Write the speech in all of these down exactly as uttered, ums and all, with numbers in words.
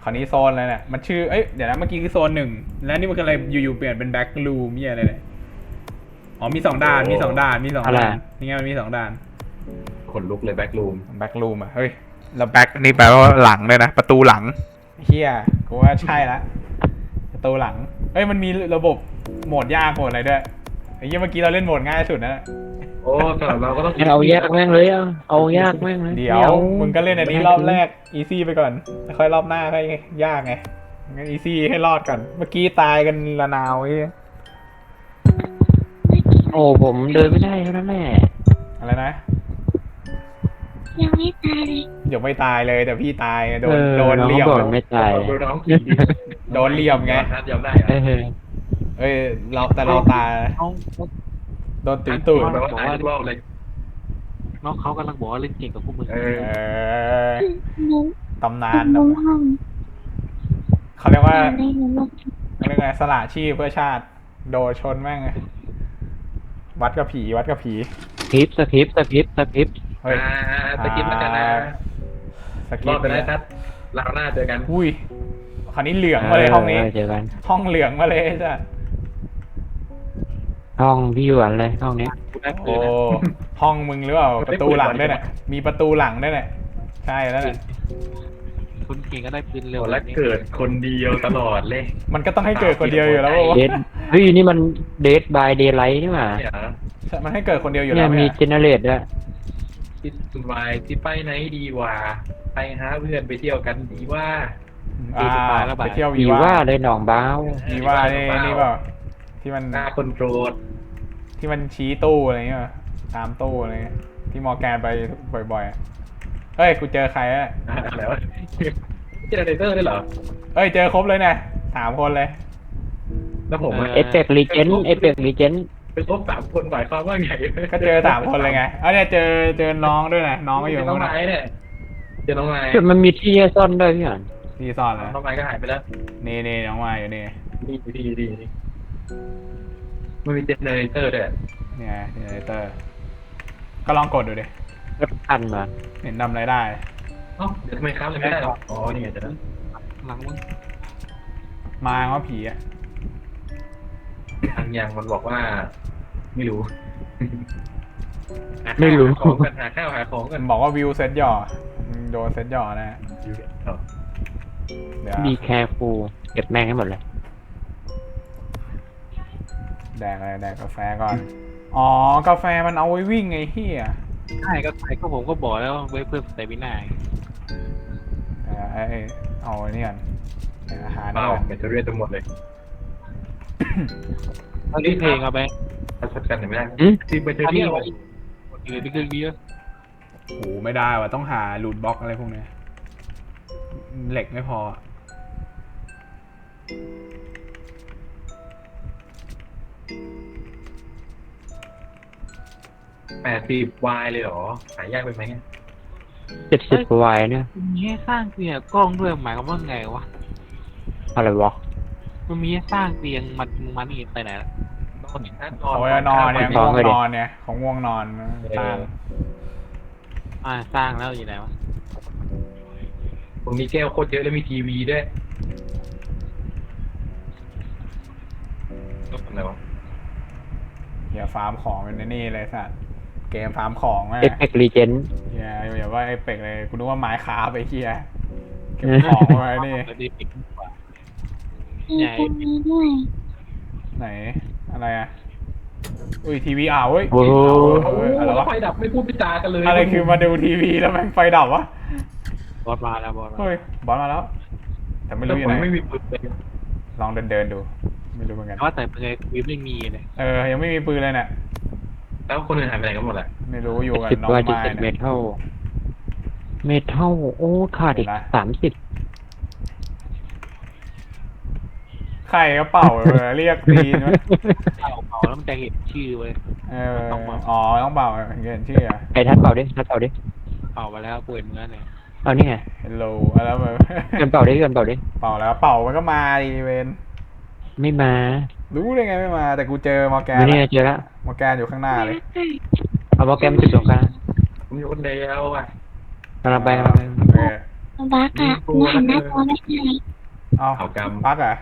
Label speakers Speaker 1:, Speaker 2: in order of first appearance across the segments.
Speaker 1: ราวนี้โซนอะไรเนี่ยมันชื่อเอ้ยเดี๋ยวนะเมื่อกี้คือโซนหนึ่งแล้วนี่มันคืออะไรอยู่ๆเปลี่ยนเป็นแบ็กรูมมีอะไรเนี่ยอ๋อมีสองด่านมีสองด่านมีสองด่านนี่ไงมันมีสองด่าน
Speaker 2: ขนลุกเลยแบ็กรูม
Speaker 1: แบ็กรูมอ่ะเฮ้ยแล้วแบ็กนี่แปลว่าหลังเลยนะประตูหลังเฮียกูว่าใช่ละประตูหลังเฮ้ยมันมีระบบโหมดยากโหมดอะไรด้วยไอ้เหี้ยเมื่อกี้เราเล่นโหมดง่ายสุดนะ
Speaker 2: โอ้สำหรับเราก็ต้อง
Speaker 3: เอายากแม่งเลยเอาเอายากแม่งเลย
Speaker 1: เดี๋ยวมึงก็เล่นอันนี้รอบแรกอีซี่ไปก่อนแล้วค่อยรอบหน้าค่อยยากไงงั้นอีซี่ให้รอดก่อนเมื่อกี้ตายกันละนาวไอ้เหี้ย
Speaker 3: โอ้ผมเดินไม่ได้เท่านั้นแหละ
Speaker 1: อะไรนะ
Speaker 4: ยังไม่ตายเลย
Speaker 1: เดี๋ยวไม่ตายเลยแต่พี่ตายโด
Speaker 3: เอน อ
Speaker 1: โดน
Speaker 3: น้อง
Speaker 1: เหลี่ยม
Speaker 3: บอกไม่ตาย
Speaker 2: ดูน้องผีดิ
Speaker 1: โดนเหลี่ยมไง
Speaker 2: นัดยอมได้
Speaker 3: เอ
Speaker 2: อะ
Speaker 3: อ
Speaker 1: เอ้ยเราแต่เราตาย
Speaker 5: น้อง
Speaker 1: โดนตีตูด
Speaker 2: แปลว่าตายทุกรอบเลย
Speaker 5: น้องเขากำลังบอกว่าเล่นเก่งกับพวกมึง
Speaker 2: เออ
Speaker 1: เออ
Speaker 4: หนู
Speaker 1: ตำนาน
Speaker 4: ลงห้อง
Speaker 1: เขาเรียกว่า
Speaker 4: อะไรหนูลง
Speaker 1: เขาเรียกไงสละชีพเพื่อชาติ โดนชนแม่งเลยวัดกับผีวัดกับผี
Speaker 3: คลิปสคริปสคริปสคริป
Speaker 1: เฮ้ย
Speaker 2: อ่าสกิปแล้วกันนะ
Speaker 1: ส
Speaker 2: ร
Speaker 1: กิ
Speaker 2: อ
Speaker 1: ป
Speaker 2: บไปได้ครับเราหน้าเจอกัน
Speaker 1: อุ้ยคราวนี้เหลืองมาเลยห้องนี้
Speaker 3: เจอกัน
Speaker 1: ห้องเหลืองมาเลยจ้ะ
Speaker 3: ห้องพี่หวนเลยห้องเนี้ย
Speaker 5: กูได้ปื
Speaker 1: โอ้
Speaker 5: นนะ
Speaker 1: ห้องมึงหรือเปล่าประตูหลังด้วยเนี่ยมีประตูหลังด้วยเนี่ยใช่แล้วเนี่ย
Speaker 5: คนเก่งก็ได้ปืนเร็ว
Speaker 2: โอ้แล้วเกิดคนเดียวตลอดเลย
Speaker 1: มันก็ต้องให้เกิดคนเดียวอยู่แล้ววะ
Speaker 3: เดดเฮ้ยนี่มันเดดบายเดย์ไลท์นี่หว่า
Speaker 2: เนี่ยเหรอ
Speaker 1: มันให้เกิดคนเดียวอยู่
Speaker 3: เนี่
Speaker 1: แล้
Speaker 3: ยว มี
Speaker 1: เนี่ย
Speaker 3: เจเนเรตด้วย
Speaker 2: ที่สุดวายที่ไปไหนดีวะไปหาเพื่อนไปเที่ยวกันดีว่า
Speaker 1: อ่าไปเที่ยววี
Speaker 3: ผี
Speaker 1: ว่า
Speaker 3: ว่าเลยหนองบ้าว
Speaker 1: วีว่านี่นี่เปล่าที่มัน
Speaker 2: หน้าคนโกรธ
Speaker 1: ที่มันชี้ตู้อะไรเงี้ยตามตู้อะไรเงี้ยที่มอร์แกนไปบ่อยๆอะเฮ้ยกูเจอใครอะ
Speaker 2: อะไรวะเจเนเรเตอร์ได้เหรอ
Speaker 1: เฮ้ยเจอครบเลยเนี่ยสามคนเลย
Speaker 2: แล้วผมอะ
Speaker 3: เอฟเฟกต์รีเจนเอฟเฟกต์รีเจน
Speaker 2: เป็นครบสามคนหมายความว่าไง
Speaker 1: ก็เจอสามคนเลยไงเอ้ยเนี่ยเจอเจอน้องด้วยนะน้องก็อยู่
Speaker 2: เจอน้
Speaker 1: ข้า
Speaker 2: อง
Speaker 1: งหน้า
Speaker 2: ไม้เนี่ยเจอน้องไม้
Speaker 3: จุดมันมีที่ให้ซ่อนด้วยพี่หวน
Speaker 1: ที่ซ่อนเลย
Speaker 2: น้องไม้ก็หายไปแล้ว
Speaker 1: นี่นี่น้องมาอยู่นี่
Speaker 2: ดีดีดีดีมันมีเจเนเรเตอร์ด้วย
Speaker 1: เนี่ยเจเนเรเตอร์ก็ลองกดดูดิ
Speaker 3: รถพันมา
Speaker 1: เห็นทำอะไรได้
Speaker 2: เอ้าเดี๋ยวทำไมครับเลยไม่ได้หรออ๋อนี่ไงจะได้
Speaker 5: หลังมึง
Speaker 1: มาว่าผีอ่ะ
Speaker 2: ทางยังมันบอกว่า ไม่รู้
Speaker 3: ไม่รู้
Speaker 2: หาของกันหาข้าวหาของกั
Speaker 1: มัน นบอกว่าวิวเซตหย่อมึงโดนเซตหย่อนะ
Speaker 2: อยู่เนี่ยเอา
Speaker 1: เดี๋ยว
Speaker 3: ดีแคร์ฟูเก็บแม่งให้หมดเลย
Speaker 1: แดกอะไรแดกกาแฟก่อนอ๋อกาแฟมันเอาไว้วิ่งไงเฮีย
Speaker 5: ใช่ก็ใช่ก็ผมก็บอกแล้วว่าไว้เพิ่มสเตมิน่า
Speaker 1: เดี๋ยวไอ้เอาไอ้นี่ก่อนเดี๋ยวอาหาร
Speaker 2: เป
Speaker 1: นี่
Speaker 2: ล่า
Speaker 1: ก่อน
Speaker 2: แบตเตอรี่จะหมดเลย
Speaker 5: ตอนนี้เพลงเอาไป
Speaker 2: ถ้าชัดกันไม่ได้
Speaker 3: อืม
Speaker 2: ซีแบตเตอ
Speaker 5: อัน
Speaker 2: รี่
Speaker 5: นี้อยู่ในเครื่องนี้
Speaker 1: โอ้โหไม่ได้ว่ะต้องหาลูดบล็อกอะไรพวกเนี้ยเหล็กไม่พอ
Speaker 2: แปดสิบวายเลยเหรอหายากไปไหม
Speaker 3: เจ็ดสิบกว่าวายเนี่ย
Speaker 5: มีให้สร้างเตียงกล้องด้วยหมายความว่าไงวะ
Speaker 3: อะไรวะ
Speaker 5: มันมีให้สร้างเตียงมันมันนี่ไปไหนละ
Speaker 2: นอนน
Speaker 1: เอาไว้นอนเนี่ยง่วงนอนเนี่ยของง่วงนอนสร้าง
Speaker 5: อ่าสร้างแล้วอยู่ไหนวะ
Speaker 2: ผมมีแก้วโคตรเยอะแล้วมีทีวีด้วยต้องทำอะไรวะ
Speaker 1: อย่าฟาร์มของเป็นนี่เลยสัตว์เกมฟาร์มของอะ
Speaker 3: เอฟเฟกต์รีเจน
Speaker 1: อย่าอย่าว่าไอ้เป็กเลยกูนึกว่าไม้ขาไปเฮียเก็บของไว้นี่
Speaker 5: แล้วดีปิดกว่า
Speaker 4: มีคนนี้ด้วย
Speaker 1: ไหนอะไรอ่ะอุ้ยทีวีอ่าวเว้ย
Speaker 3: โอ้โห
Speaker 1: เอออะไร
Speaker 2: แล้ว
Speaker 1: วะ
Speaker 2: ไฟดับไม่พูดไม่จากันเลย
Speaker 1: อะไรคือมาดูทีวีแล้วแม่งไฟดับวะ
Speaker 5: บอสมาแล้วบอสมา
Speaker 1: เฮ้ยบอลมาแล้ว แต่ไม่
Speaker 2: แต่
Speaker 1: รู้อ
Speaker 2: ผ
Speaker 1: ยู่
Speaker 2: ม
Speaker 1: ไหน
Speaker 2: ไม่มีปืนเลย
Speaker 1: ลองเดินเดินๆดู ไม่รู้เหมือนกัน
Speaker 5: แต่ว่าแต่เป็นไงวิบไม่มีเลย
Speaker 1: เออยังไม่มีปืนเลยเนี่ย
Speaker 2: แล้วคนอื่นหายไปไหนกันหมดแหละ
Speaker 1: ไม่รู้อยู่กับ
Speaker 3: สิบ
Speaker 1: น้อง
Speaker 3: วายเจ็ด
Speaker 1: ไม้
Speaker 3: สิบเม
Speaker 1: เนี่ย
Speaker 3: ทัลเมทัลโอ้ขาดอีก
Speaker 1: เห็นละ
Speaker 3: สามสิบ
Speaker 1: ใครก็เป่าเออเรียกตีนวะ
Speaker 5: เป่าเป่าแล้วมันจะเห็นชื่อเว้ย
Speaker 1: เอออ๋อต้องเป่าเห็นชื่ออะ
Speaker 3: ไอ้ทัดเป่าดิทัดเป่าดิ
Speaker 5: เป่าไปแล้วเปิดเนื้อเนี่ย
Speaker 3: เอานี่ไง
Speaker 1: Hello แล้วแบบ
Speaker 3: เกินเป่าดิเกินเป่าดิ
Speaker 1: เป่าแล้วเป่ามันก็มาดีเวน
Speaker 3: ไม่มา
Speaker 1: รู้ได้ไงไม่มา แต่กูเจอมอร์แกน
Speaker 3: ไม่เนี่ย
Speaker 1: อะ
Speaker 3: เจอละ
Speaker 1: มอร์แกนอยู่ข้างหน้าเลย
Speaker 3: เอาโปรแกรมจุดตรงกลาง
Speaker 2: ผมอยู่คนเดียวอ่ะ
Speaker 3: กำลังไปกำลังไป
Speaker 1: เออ
Speaker 4: บักอะหนูหันหน้าจอไม่ได้
Speaker 1: เอา
Speaker 2: เอากรรม
Speaker 1: ปักอ่ะ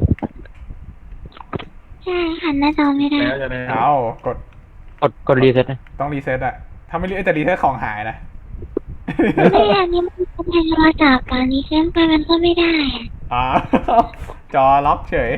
Speaker 4: ใช่หันหน้าจอไม่ได้
Speaker 2: แล้วจะได้
Speaker 1: เอากด
Speaker 3: กดกดรีเซ็ตนะ
Speaker 1: ต้องรีเซ็ตอ่ะถ้าไม่รีเซ็ตแต่รีเซ็ตของหายนะ
Speaker 4: ไม่อันนี้มันเป็นโทรศัพท์อันนี้เชื่อมไปมันก็ไม่ได้อะ
Speaker 1: อ๋อ จอล็อกเฉย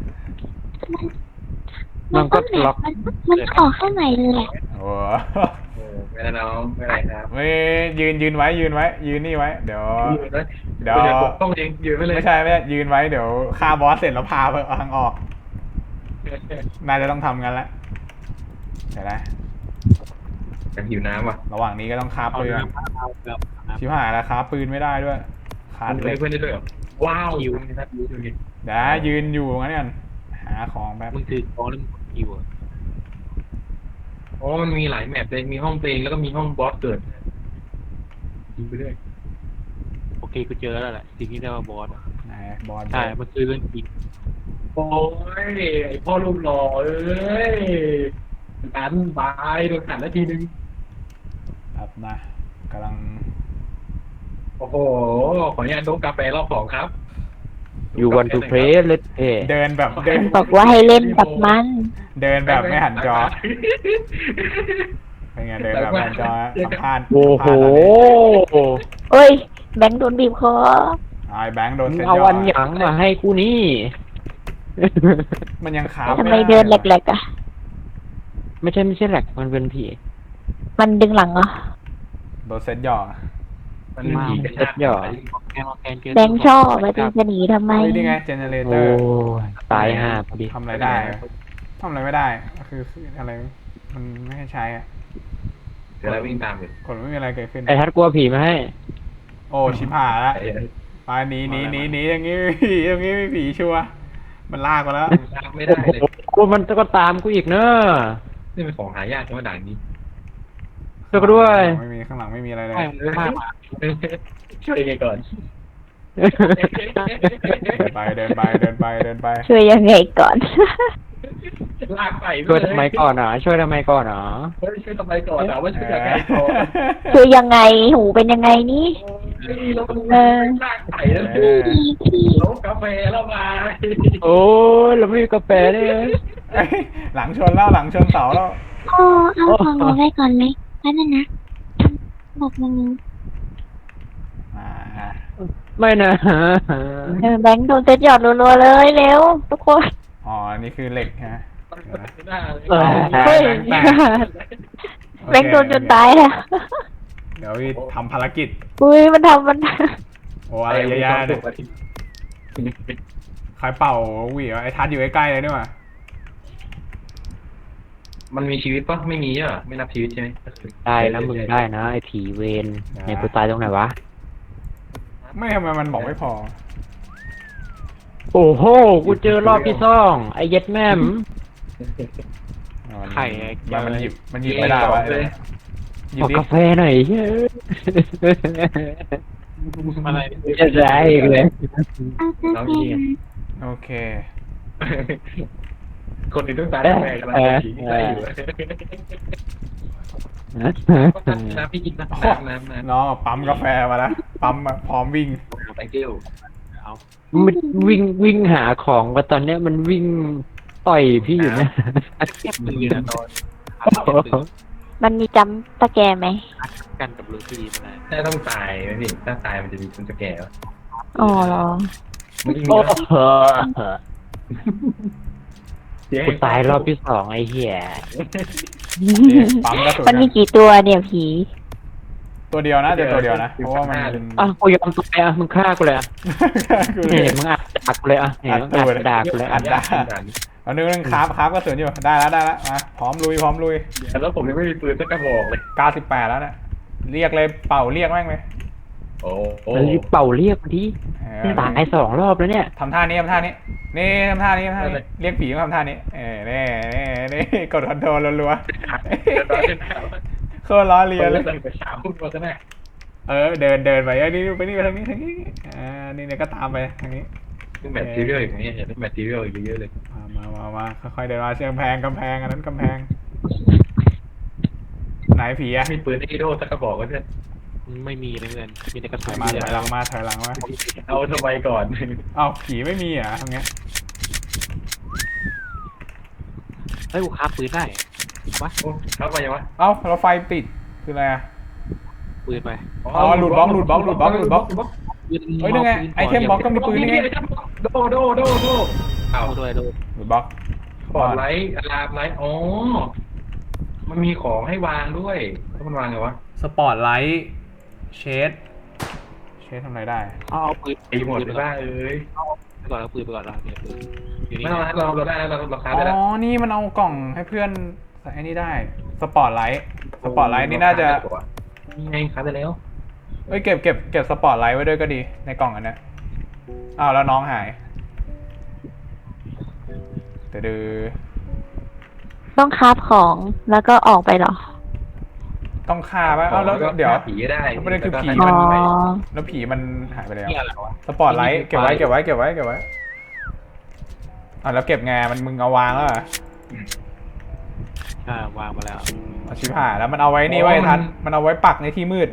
Speaker 3: มันก็
Speaker 4: แบบ
Speaker 3: ล็อก
Speaker 4: มันมันออกเข้าใหม่เลยอะ
Speaker 1: โอ้
Speaker 2: โอ้ไม่ได้น้องไม่ได้ครับ
Speaker 1: ไม่ยืนยืนไว้ยืนไว้ ยืนนี่ไว้ เดี๋ยว
Speaker 2: ยืนไว้
Speaker 1: เดี๋ยว
Speaker 2: เดี๋ยวปกป้องเองยืนไปเลย
Speaker 1: ไม่ใช่ไม่ใช่ยืนไว้เดี๋ยวฆ่าบอสเสร็จแล้วพาไปทางออก น่าจะต้องทำกันละเดี๋ยวนะ
Speaker 2: กันหิวน้ำว่ะ
Speaker 1: ระหว่างนี้ก็ต้องคาบ
Speaker 5: เอา
Speaker 1: ปืน
Speaker 5: เรื่องเอาเรื่องนะ
Speaker 1: ชิบหายแล้วคาบปืนไม่ได้ด้วยขาด
Speaker 2: มัน
Speaker 1: เหล็ก
Speaker 2: เพื่อนได้ด้วยเหรอว้าวหิวนี่นะหิวหิว
Speaker 1: เดี๋ยวนะยืนอยู่งั้นเนี่ยหาของแป๊บ
Speaker 5: มึงถือของแล้วมึงกดคิวอะ
Speaker 2: อ๋อมันมีหลายแมปเลยมีห้องเพลงแล้วก็มีห้องบอสเกิดยิงไปเรื่อย
Speaker 5: โอเคกูเจอแล้วแหละสิ่งที่เรียกว่าบอสอะ
Speaker 1: ไหนบอส
Speaker 5: ใช่มันคือเรื่องจริง
Speaker 2: โอ้ยไอพ่อรูปหล่อเอ้ยดันบายโดนขันแล้วทีนึง
Speaker 1: ครับนะกำลัง
Speaker 2: โอ้โหขออนุญาตดมกาแฟรอบสองครับ
Speaker 3: อยู่วันทูเพลสเลตเพย์
Speaker 1: เดินแบบเดิน
Speaker 4: บอกว่าให้เล่นกับมัน
Speaker 1: เดินแบบไม่หันจอเป็นไงเดินแบบไม่หันจอสัมภาษณ์
Speaker 3: โอ้โห
Speaker 4: เอ้ยแบงค์โดนบีบคอ
Speaker 1: ไอ้แบงค์โดน
Speaker 3: มึง
Speaker 1: เซ็ต
Speaker 3: เอา
Speaker 1: ยอ
Speaker 3: วัน
Speaker 1: ด
Speaker 3: หยังมาให้กูนี่
Speaker 1: มันยังขา
Speaker 4: ทำไมเดินแหลกๆอะ
Speaker 3: ไม่ใช่ไม่ใช่แหลกมันเป็นผี
Speaker 4: มันดึงหลังเหรอ
Speaker 1: โดนเซ็ตยอด
Speaker 2: มันมีกระชาก
Speaker 3: หย่อ
Speaker 5: แกมาแกนเจอ
Speaker 4: แบงค์ชอบมาจะจะหนีทำไม
Speaker 1: เฮ้ยนี่ไงเจเนเรเต
Speaker 3: โอ้
Speaker 1: อร์
Speaker 3: ยตายห่าพอดี
Speaker 1: ทำอะไรได้ทำอะไรไม่ได้ก็คืออะไรมันไม่ให้ใช้อะ
Speaker 2: เดี๋ยวเราวิ่งตามอยู่
Speaker 1: กดไม่มีอะไรเกิดขึ้น
Speaker 3: ไอ้ทัดกลัวผีมาให้
Speaker 1: โอ้ชิบหายละ
Speaker 2: ไอ้
Speaker 1: ไปหนีหนีหนีหนีอย่างงี้ไม่ผีอย่างงี้ไม่ผีชัวร์มันลากมาแล้ว
Speaker 2: ตามไม่ได้เลย
Speaker 3: โอ้มันก็ตามกูอีกเนอะ
Speaker 2: นี่เป็นของหายากใช่ไหมด่านนี้
Speaker 3: ช่วยกูด้วย
Speaker 1: ไม่มีข้างหลังไม่มีอะไรเลย
Speaker 5: ใช่มันฆ่ามา
Speaker 2: ช่วยยังไงก่อน
Speaker 1: เดินไปเดินไปเดินไปเดินไป
Speaker 4: ช่วยยังไงก่อน
Speaker 2: ลากไป
Speaker 3: ช่วยทำไมก่อนอ่ะช่วยทำไมก่อนอ่ะ
Speaker 2: เฮ้ยช่วยทำไมก่อนอ่ะว่าช่วยยังไงก่อน
Speaker 4: ช่วยยังไงหูเป็นยังไงนี่
Speaker 2: เฮ้ยเราต้องลากไปแล้ว
Speaker 1: เออ
Speaker 4: พี่พี่
Speaker 2: ลบกาแฟแล้วมา
Speaker 3: โอ้ยเราไม่มีกาแฟด้วย
Speaker 1: เอ้ยหลังชนแล้วหลังชนเสาแล้ว
Speaker 4: พ่อเอาของหนูไว้ก่อนไหมแป๊บนึงนะบอกมึง
Speaker 1: อ่า
Speaker 3: ไม่นะ
Speaker 4: เออแบงค์โดนเซ็ตหยอดรัวๆเลยเร็วทุกคน
Speaker 1: อ๋อนี่คือเหล็กฮะ
Speaker 2: หน้าเลย
Speaker 3: เออ
Speaker 4: เฮ้ย
Speaker 1: แบงค์
Speaker 4: แบงค์โดนจนตายแล้ว
Speaker 1: เดี๋ยวพี่ทำภารกิจ
Speaker 4: อุ้ยมันทำมัน
Speaker 1: โอ้อะไรเยอะแยะเลยใครเป่าหวีวะไอ้ทัดอยู่ใกล้ๆเลยนี่หว่า
Speaker 2: มันมีชีวิตปะไม่มีอ่ะไม่นับชีวิตใช่ไหม
Speaker 3: ได้นะมึงได้นะไอ้ผีเวนในกูตายตรงไหนวะ
Speaker 1: ไม่ทำไมมันบอกไม่พอ
Speaker 3: โอ้โห กูเจอรอบที่สองไอ้เย็ดแม่ม
Speaker 5: ไข่ไอ้
Speaker 1: มันมันหยิบมันหยิบไม่ได้วะไอ้เนี่ยหยิ
Speaker 3: ข
Speaker 1: บ
Speaker 3: อ
Speaker 1: ดิ
Speaker 3: กาแฟหน่อยเฮ้ย
Speaker 5: อะไร
Speaker 3: จะได้อีกเลย
Speaker 4: เอากาแฟมา
Speaker 1: โอเค
Speaker 2: คนอื่นต้องตายกาแฟกำลังจะผีได้อยู่น้ำพี่กินน้ำน้ำน้ำน้ำ
Speaker 1: น้องปั๊มกาแฟมาแล้วปั๊มมาพร้อมวิ่ง
Speaker 2: ไปเที่ยว
Speaker 5: เอา
Speaker 3: มันวิ่งวิ่งหาของว่าตอนเนี้ยมันวิ่งต่อยพี่อยู่เนี่ย
Speaker 5: เทียบปืนนะตอน
Speaker 4: มันมีจำตะแกรงไหม
Speaker 5: กันกับลูซี่มันนะ
Speaker 2: ถ้าต้องตายไหมพี่ถ้าตายมันจะมีคนจะแก่
Speaker 4: อ๋อเหรอ
Speaker 2: มันมี
Speaker 3: โอ้โหกูตายรอบที่สองไอ้เหี้ย
Speaker 1: นี่ปั๊มกระสุน
Speaker 4: มันมี
Speaker 1: อะ
Speaker 4: กี่ตัวเนี่ยผี
Speaker 1: ตัวเดียวนะจะตัวเดียวนะ เพราะว่ามัน
Speaker 3: อ่ะกูยอมตายอ่ะมึงฆ่ากูเลยอ่ะ
Speaker 1: กู
Speaker 3: เนี่ยมึงอัดดักกูเลยอ่ะเนี่ยมึงอัดดักกูเลย
Speaker 1: อั
Speaker 3: อ่ะ
Speaker 1: ดได้เอาหนึ่งหนึ่งคราฟคราฟกระสุนอยู่ได้แล้วได้แล้วมาพร้อมลุยพร้อมลุย
Speaker 2: แล้วผมยังไม่มีปืนสักกระบอกเลย
Speaker 1: เก้าสิบแปดแล้วเนี่ยเรียกเลยเป่าเรียกแม่งเลย
Speaker 2: โอ้โห
Speaker 3: มันรีบเป่าเรียกมาดิ
Speaker 1: เออ
Speaker 3: ตายสองรอบแล้วเนี่ย
Speaker 1: ทำท่านี้ทำท่านี้นี่ทำท่านี้ทำท่านี้เรียกผีมาทำท่านี้เออนี่นี่นี่กดคอนโทรลรัวๆโคตรล้อเลียนเลย
Speaker 2: ไปสามพุ่งมาซะแน่
Speaker 1: เออเดินเดินไปไอ้นี่ไปนี่ไปทางนี้ทางนี้อ่านี่เนี่ยก็ตามไปทางนี้
Speaker 2: ซึ่งแมททีเรียลอย่างนี้เห็นแมททีเรียลเยอะๆเลย
Speaker 1: มามามามาค่อยๆเดินมาเชิงกำแพงกำแพงอันนั้นกำแพงไหนผีอะ
Speaker 2: มีปืนไอโดสักกระบอกก็ได้
Speaker 5: ไม่มีนะเพื่อนมีแต่กระ
Speaker 1: ถ
Speaker 5: สุ
Speaker 1: อย
Speaker 5: น
Speaker 1: มา
Speaker 5: เดี
Speaker 1: ถ
Speaker 5: ยว
Speaker 1: อยหลังมาถอยหลังมา
Speaker 2: เอาทำไมก่อน
Speaker 1: เอ้าผีไม่มีเหรอ่ะทำไง
Speaker 5: เฮ้ยกูคาบปืนได้วะ
Speaker 2: โอ้เข้าไปยังวะ
Speaker 1: เอ้าเราไฟติดคืออะไรอ่ะ
Speaker 5: ปืนไป
Speaker 1: อ๋อหลุดบล็อกหลุดบล็อกหลุดบล็อกหลุดบล็อก
Speaker 5: ปืน
Speaker 1: เฮ้ยนั่นไงไอเทมบล็อกก็มีปืนนี่ไง
Speaker 2: โดโดโดโดเอา
Speaker 5: เอาด้วยด้วย
Speaker 1: หลุดบล็อก
Speaker 2: ปอดไลท์อะลามไลท์อ๋อมันมีของให้วางด้วยแล้วมันวางไงวะ
Speaker 1: สปอตไลท์เชดเชดทำอะไรได้
Speaker 5: เอาเอาปืน
Speaker 2: ไอ้หมดไปบ้าเอ้ย
Speaker 5: ไปก่อนเอาปืนไปก่อนเราเนี่ยปืนอยู่นี่
Speaker 2: ไม่เอาเราเราได้แล้วเราเราคา
Speaker 1: อ๋
Speaker 2: ได้แล้ว
Speaker 1: อ นี่มันเอากล่องให้เพื่อนใส่ไอ้นี่ได้ สปอตไลท์ สปอตไลท์นี่น่าจะ
Speaker 2: นี่ไงคาได้แล้ว
Speaker 1: เอ้ยเก็บเก็บเก็บสปอตไลท์ไว้ด้วยก็ดีในกล่องอันเนี้ยอ้าวแล้วน้องหายเดือด
Speaker 4: ต้องคราฟของแล้วก็ออกไปเหรอ
Speaker 1: ต้องฆ่าป่ะอ้าวแล้วเดี๋ยว
Speaker 2: ผีก็ได้
Speaker 1: ประเด็นคือผี
Speaker 4: อ๋
Speaker 1: มั
Speaker 4: อ
Speaker 1: น แล้วผีมันหายไปแล้ว
Speaker 5: นี่อะไรวะ
Speaker 1: สปอตไลท์เก็บไว้เก็บไว้เก็บไว้เก็บไว้อ่ะแล้วเก็บไงมันมึงเอาวางแล้วเหรอ
Speaker 5: อ่าวางมาแล้ว
Speaker 1: เอาชิบหายแล้วมันเอาไว้นี่ไว้ทันมันเอาไว้ปักในที่มืด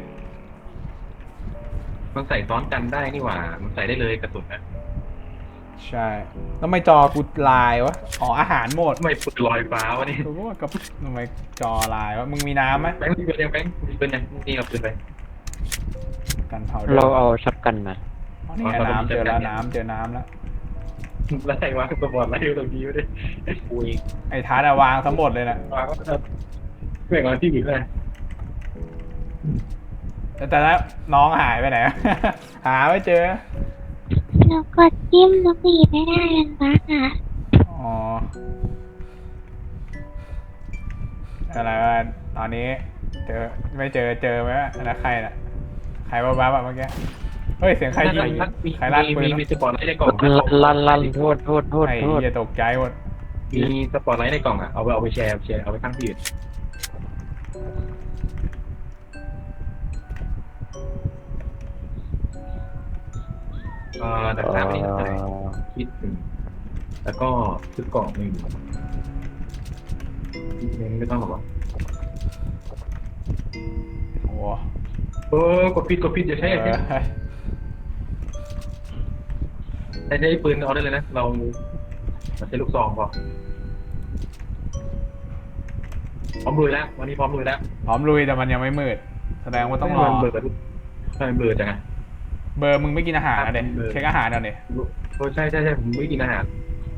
Speaker 2: มันใส่ซ้อนกันได้นี่หว่า มันใส่ได้เลยกระสุนนะ
Speaker 1: ใช่แล้วทำไมจอกูลายวะอ๋ออาหารหมด
Speaker 2: ทำไมปืนลอยฟ้าวะนี่
Speaker 1: กูก็ว่ากับทำไมจอลายวะมึงมีน้ำไหม
Speaker 2: แบงค์มีปืนยังแบงค์มีปืนยังนี่เอาปืนไป
Speaker 1: กันเผา
Speaker 3: เราเอาช็อตกันมา
Speaker 1: อ๋อนี่ไงน้ำเจอแล้วน้ำเจอน้ำแล้ว
Speaker 2: แล้วใส่วางสปอร์ตไลท์อยู่ตรงนี้ไม่ได้
Speaker 5: กูเอง
Speaker 1: ไอ้ทาร์ดอะวางทั้งหมดเลยนะ
Speaker 2: วางก็จะเม่งวางที่อื่นเลย
Speaker 1: แต่แต่แล้วน้องหายไปไหน หาไม่เจอ
Speaker 4: แล้วกดจิ้มแล้วก็หยิบไม่ได้กันบักอ่ะ
Speaker 1: อ๋ออะไรวะตอนนี้เจอไม่เจอเจอไหมวะอันนั้นใครน่ะใครบ้าบ้าแบบเมื่อกี้เฮ้ยเสียงใครยิงใครลั่นปืน
Speaker 2: มีมีสปอร์ตไลท์ในกล่อง
Speaker 3: ลั่นลั่นโทษโทษโทษ
Speaker 1: ไอ้
Speaker 3: โทษ
Speaker 1: เหี้ยตกใจหมด
Speaker 2: มีสปอร์ตไลท์ในกล่องอ่ะเอาไปเอาไปแชร์แชร์เอาไปตั้งที่อื่นเอ่อแต่ตามไม่ได้ใส่คิดหนึ่งแล้วก็ซื้อกล่องหนึ่งไม่ต้องหรอกวะ
Speaker 1: โอ้โห
Speaker 2: เออกดผิดกดผิดอย่าใช้
Speaker 1: เอ
Speaker 2: อย่าใช้
Speaker 1: อ
Speaker 2: ใช้ใช้ปืนเอาได้เลยนะเราเราใช้ลูกซองพอพร้อมลุยแล้ววันนี้พร้อมลุยแล้ว
Speaker 1: พร้อมลุยแต่มันยังไม่มืด แสดงว่าต้องรอ
Speaker 2: เบอร์ใช่เบอร์จังไง
Speaker 1: เบอร์มึงไม่กินอาหารนะเด็
Speaker 2: เบอร์
Speaker 1: เช็คอาหารเอาเด็
Speaker 2: โอ้ใช่ใช่ใช่ผมไม่กินอาหาร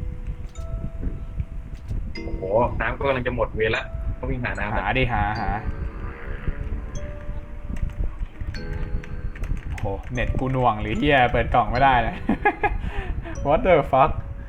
Speaker 2: โอ้โหน้ำก็กำลังจะหมดเวลแล้วต้องวิ่งหาน้ำ
Speaker 1: หา
Speaker 2: แล้ว
Speaker 1: ดิหาหาโหเน็ตกูหน่วงหรือเฮียเปิดกล่องไม่ได้เลย What the fuck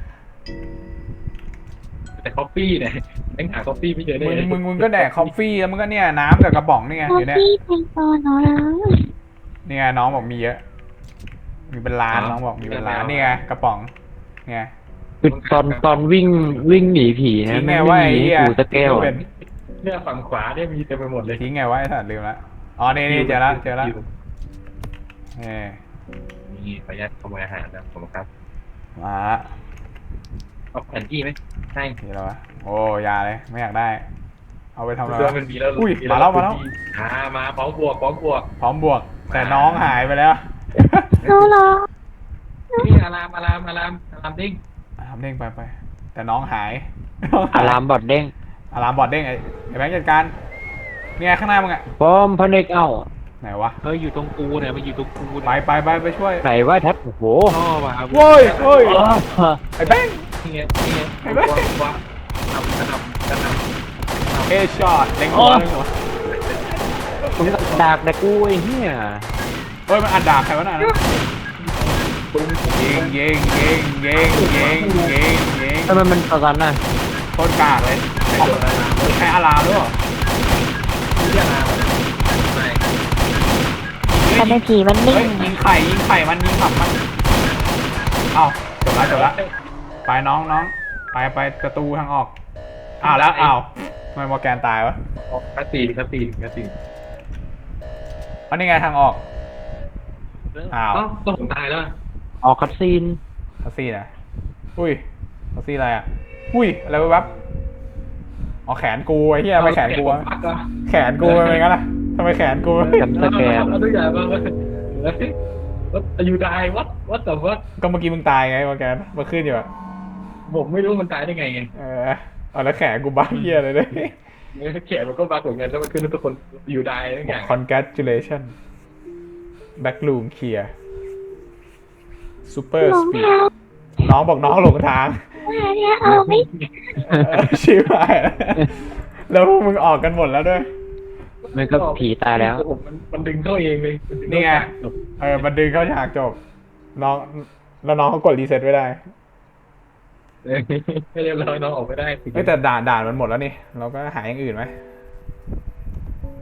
Speaker 2: แต่คอฟฟี่เนี่ยแม่งหาคอฟฟี่ไม่เจอได้
Speaker 1: มึง
Speaker 2: เลย
Speaker 1: มึงมึงก็แดกคอฟฟี่แล้วมึงก็เนี่ยน้ำกับกระป๋องนี่ไง
Speaker 4: พอ
Speaker 1: อยู่เนี่ย
Speaker 4: พี่เป็นตัวเนาะแล้ว
Speaker 1: นี่ไงน้องบอกมีเยอะ มีเป็นล้านน้องบอกมีเป็นล้านนี่ไงกระป๋องเนี่ย
Speaker 3: คือตอนตอนวิ่งวิ่งหนีผีนะ
Speaker 1: ทิ้งไง
Speaker 3: แม่ง
Speaker 1: ว่า
Speaker 3: ไม่
Speaker 1: ไอ้
Speaker 3: หนี
Speaker 1: เหี้ย
Speaker 3: กูตะแก้ว
Speaker 1: เป็
Speaker 3: อะ
Speaker 1: น
Speaker 2: เนี่ยฝั่งขวาเนี่ยมีเต็มไปหมดเลย
Speaker 1: ทิ้งไงวะไอ้สัตว์ลืมละอ๋อนี่นี่เจอแล้วเจอแล้วเออ
Speaker 2: นี่ขออนุญาตขโมยอาหารนะผมครับ
Speaker 1: มาละ
Speaker 2: เอาแผนที่ไหมใช่
Speaker 1: ทีแล้ววะโอ้ยาเลยไม่อยากได้ เอาไปทำอะไร
Speaker 2: เรือ
Speaker 1: วะ
Speaker 2: มันมีแล้ว
Speaker 1: อุ้ยมาแล้วมาแล้ว
Speaker 2: อ่ามาพร้อมบวกพร้อมบวก
Speaker 1: พร้อมบวก แต่น้องหายไปแล้ว
Speaker 4: รู้เหรอ
Speaker 2: นี่อารามอารามอารามอารามดิ้ง
Speaker 1: ทำเด้งไปไปแต่น้องหาย
Speaker 3: อารามบอดเด้ง
Speaker 1: อารามบอดเด้งไอ้ไอ้แบงค์จัดการเนี่ยข้างหน้ามึงอะ
Speaker 3: พร้อมพระเนกเอ้า
Speaker 1: ไหนวะ
Speaker 5: เฮ้ยอยู่ตรงกูเนี่ยมันอยู่ตรงกู
Speaker 1: ไป
Speaker 5: เนี่ย
Speaker 1: ไปไปไปช่วย
Speaker 3: ไหนว่าทัดโอ้โห
Speaker 5: พ่อมา
Speaker 1: โว้ยโว้ย
Speaker 3: อ๋อ
Speaker 1: ไอ้แบงค์
Speaker 2: นี่ไงนี่ไง
Speaker 1: เห็นไหม
Speaker 2: ว้าวว้าวทำกระทำกระทำ
Speaker 1: เอช็อตเด้งหัวเด้งหัว
Speaker 3: มึงดากแต่กูไอ้เหี้ย
Speaker 1: เฮ้ยมันอัดดาบใครวะน่ะยิงยิงยิงยิงยิงยิงยิง
Speaker 3: ทำไมมันตอนน่ะ
Speaker 1: โคตรกากเลยใช้อารามด้วยเหรอ
Speaker 2: เรียกอารามใช่
Speaker 4: แต่ในผีมันนิ่
Speaker 1: เฮ้ย
Speaker 4: ง
Speaker 1: ยิงไข่ยิงไข่มันยิงขับมันเอ้าจบละจบละไปน้องน้องไปไปประตูทางออกอ้าวแล้วอ้าวทำไมมอร์แกนตายวะ
Speaker 2: คาตีนคาตีนคาตีน
Speaker 1: อันนี้ไงทางออกอ้าว
Speaker 2: เอ้าต้องผมตายแล้ว
Speaker 3: ออกคัดซีน
Speaker 1: ทัซี่นะอุ้ยทัซี่อะไรอ่ะอุ้ยอะไรวะวับอ๋อแขนกูไอ้เหี้ยไม่แขนกูวะ
Speaker 2: ปักเหรอ
Speaker 1: แขนกูเป็นไงกันล่ะทำไมแขนกู
Speaker 3: จำสแกน
Speaker 2: เอาทุกอย่างมาว่าอยู่ได้วัดวัดแต่ว่า
Speaker 1: ก็เมื่อกี้มึงตายไงมาแกนมาขึ้นอยู่อะ
Speaker 2: ผมไม่รู้มันตายได้ไงไง
Speaker 1: เออเอาแล้วแขนกูบ้าเหี้ยเลยด้วย
Speaker 2: แขนมันก็บักเหมือนกันแล้วมันขึ้นทุกคนอยู่ได้ทุกอย่าง
Speaker 1: congratulation backroom clear
Speaker 4: ห
Speaker 1: super
Speaker 4: ลง
Speaker 1: speed
Speaker 4: ทาง
Speaker 1: น้องบอกน้องหลงทาง
Speaker 4: ว่าเนี่ยเอาไม่
Speaker 1: เออชิบหายแล้วแล้วพวกมึงออกกันหมดแล้วด้วย
Speaker 3: มันก็ผีตายแล้ว
Speaker 2: มันมันดึงเข้าเองเลยมัดึ
Speaker 1: นี่ไง
Speaker 2: เข้า
Speaker 1: เออมันดึงเข้าฉากจบ น้องแล้วน้องเขากดรีเซ็ตไว้ได้
Speaker 2: เออไม่เรียบร้อยน้องออกไม่ได้
Speaker 1: เฮ้ยแต่ด่านด่านมันหมดแล้วนี่ เราก็หาอย่างอื่นไหม